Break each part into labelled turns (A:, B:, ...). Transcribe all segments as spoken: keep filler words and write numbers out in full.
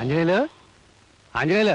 A: ఆంజనేయులు ఆంజనేయులు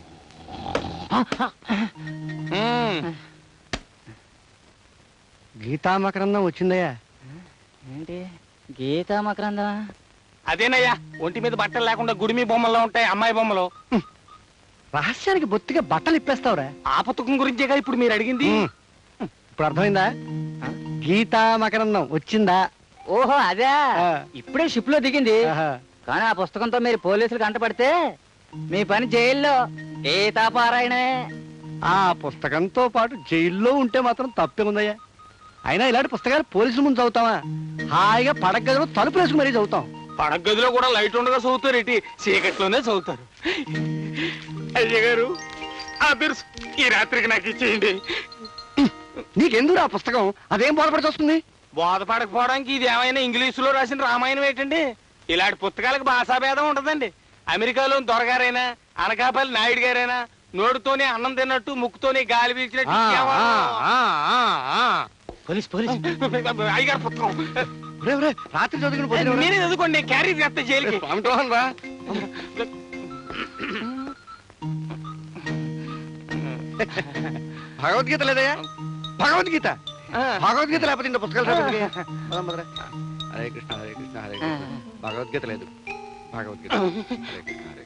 A: గీతా మకరందం వచ్చిందయ్యా.
B: ఏంటి గీతా మకరందమా?
C: అదేనయ్యా, ఒంటి మీద బట్టలు లేకుండా గుడిమి బొమ్మల్లో ఉంటాయి అమ్మాయి బొమ్మలు.
A: రహస్యానికి బొత్తిగా బట్టలు ఇప్పేస్తావురా.
C: ఆ పుస్తకం గురించేగా ఇప్పుడు మీరు అడిగింది.
A: ఇప్పుడు అర్థమైందా? గీతా మకరందం వచ్చిందా?
B: ఓహో అదే, ఇప్పుడే షిప్ లో దిగింది. కానీ ఆ పుస్తకంతో మీరు పోలీసులు కంటపడితే మీ పని జైల్లో గీతాపారాయణే.
A: ఆ పుస్తకంతో పాటు జైల్లో ఉంటే మాత్రం తప్పే ఉందయ్యా. అయినా ఇలాంటి పుస్తకాలు పోలీసుల ముందు చదువుతావా? హాయిగా పడక గదిలో తలుపు వేసుకు మరీ చదువుతాం.
C: పడక గదిలో కూడా లైట్ ఉండగా చదువుతారు, ఇటు చీకట్లోనే చదువుతారు. అయ్య గారు, ఆ బిర్స్ ఈ రాత్రికి నాకు ఇచ్చేయండి.
A: నీకెందుకు ఆ పుస్తకం? అదేం బోధపడి వస్తుంది?
C: బోధపడకపోవడానికి ఇది ఏమైనా ఇంగ్లీషులో రాసిన రామాయణం ఏంటండి? ఇలాంటి పుస్తకాలకు భాషాభేదం ఉంటదండి. అమెరికాలో దొరగారైనా అనకాపల్లి నాయుడు గారైనా నోటితోనే అన్నం తిన్నట్టు ముక్కుతోనే గాలి పీల్చినట్టు
A: పోలీస్ పోలీస్
C: అయ్యగారు పుస్తకం
A: రాత్రి చదువుకుని
C: నేనే చదువుకోండి, క్యారీ చేస్తా జైలుకి.
A: రా భగవద్గీత లేదయ్యా? భగవద్గీత భగవద్గీత లేకపోతే ఇంత పుస్తకాలు. హరే కృష్ణ హరే కృష్ణ హరే కృష్ణ. భగవద్గీత లేదు. భగవద్గీత హరే కృష్ణ హరే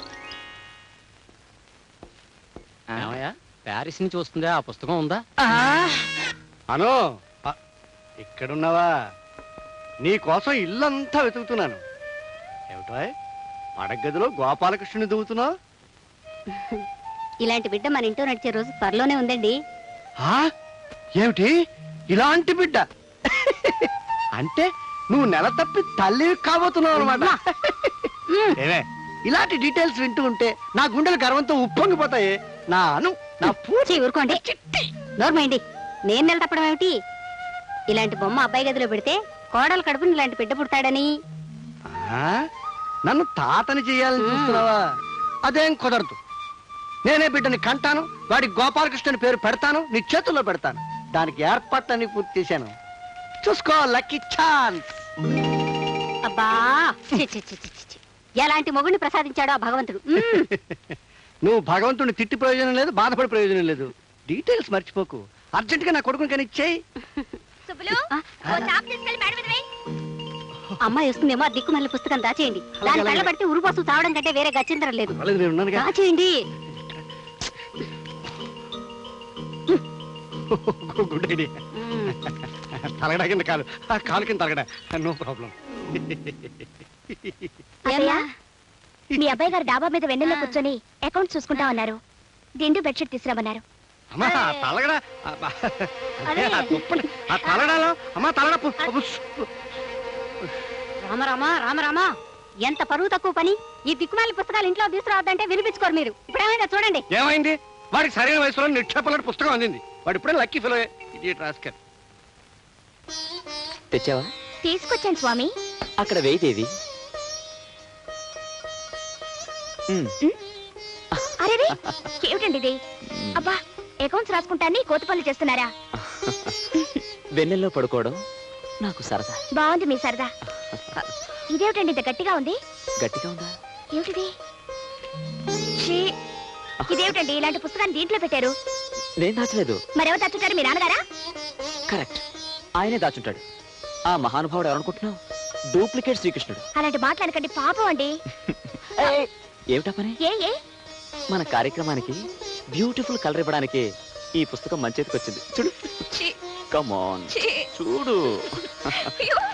A: కృష్ణ.
B: ప్యారిస్ నుంచి వస్తుందా? ఆ పుస్తకం ఉందా?
A: అను ఇక్కడున్నావా? నీ కోసం ఇల్లంతా వెతుకుతున్నాను. ఏమిటో పడగదిలో గోపాలకృష్ణుని దువ్వుతున్నావు?
D: ఇలాంటి బిడ్డ మన ఇంట్లో నడిచే రోజు త్వరలోనే ఉందండి.
A: ఏమిటి ఇలాంటి బిడ్డ? అంటే నువ్వు నెల తప్పి తల్లి కాబోతున్నావు అనమాట. ఏమే ఇలాంటి డీటెయిల్స్ వింటూ ఉంటే నా గుండెలు గర్వంతో ఉప్పొంగిపోతాయి. నా అను నా
D: పూచి ఊరుకోండి. నోర్మైండి, నేను నెల తప్పడం ఏమిటి? ఇలాంటి బొమ్మ అబ్బాయి గదిలో పెడితే కోడలు కడుపుని ఇలాంటి బిడ్డ పుడతాడని.
A: నన్ను తాతని చెయ్యాలని చూస్తున్నావా? అదేం కుదరదు. నేనే బిడ్డని కంటాను, వాడి గోపాలకృష్ణ పేరు పెడతాను, నీ చేతుల్లో పెడతాను. దానికి ఏర్పాట్లన్నీ పూర్తి చేశాను. చూసుకో, లక్కీ ఛాన్స్.
D: అబ్బా, ఎలాంటి మొగుడిని ప్రసాదించాడో ఆ భగవంతుడు.
A: నువ్వు భగవంతుడిని తిట్టి ప్రయోజనం లేదు, బాధపడి ప్రయోజనం లేదు. డీటెయిల్స్ మర్చిపోకు. అర్జెంట్ గా నా కొడుకుని కానీ ఇచ్చేయి.
D: అమ్మాయి వస్తుందేమో, ఆ దిక్కుమల్లి పుస్తకం దాచేయండి. దాని కళ్ళ పడితే ఉరుపోసు తావడం కంటే వేరే గచ్చిందరం లేదు. దాచేయండి.
A: Good idea. తలగడా కింద కాలు, కాలు కింద తలగడా, నో ప్రాబ్లం.
D: మీ అబ్బాయి గారు డాబా మీద వెన్నెల్లో కూర్చొని అకౌంట్ చూసుకుంటా ఉన్నారు. దిండు బెడ్షీట్ తీసుకురామన్నారు.
A: అమ్మా తలగడా, ఆ తలగడాలో అమ్మా తలగడ.
D: రామరామా రామరామా, ఎంత పరువు తక్కువ పని. ఈ దిక్కుమాలి పుస్తకాలు ఇంట్లో తీసుకురావద్దంటే వినిపించుకోరు మీరు. ఇప్పుడు ఏమైందో చూడండి.
A: ఏమైంది? వాడికి సరైన వయసులో నిక్షేపలాంటి పుస్తకం అందింది. వాడు ఇప్పుడే లక్కీ ఫెలో. రాస్కర్
E: తెచ్చావా?
D: తీసుకొచ్చాను స్వామి.
E: అక్కడ వేయిదేవి.
D: అరే ఏమిటండి ఇది? అబ్బా, అకౌంట్స్ రాసుకుంటాన్ని కోతి పనులు చేస్తున్నారా?
E: వెన్నెల్లో పడుకోవడం నాకు సరదా.
D: బాగుంది మీ సరదా. ఇదేమిటండి ఇంత గట్టిగా ఉంది?
E: గట్టిగా ఉందా?
D: ఏమిటిది? ఇదేమిటండి ఇలాంటి పుస్తకాన్ని దీంట్లో పెట్టారు?
E: నేను దాచలేదు.
D: మరెవరు దాచుంటారు? మీ నాన్నగారా?
E: కరెక్ట్, ఆయనే దాచుంటాడు. ఆ మహానుభావుడు ఎవరనుకుంటున్నావు? డూప్లికేట్ శ్రీకృష్ణుడు.
D: అలాంటి మాట్లాడకండి, పాపం అండి.
E: ఏమిటా పని?
D: ఏ ఏ
E: మన కార్యక్రమానికి బ్యూటిఫుల్ కలర్ ఇవ్వడానికి ఈ పుస్తకం మంచేతికి వచ్చింది. చూడు, కమ్ ఆన్ చూడు.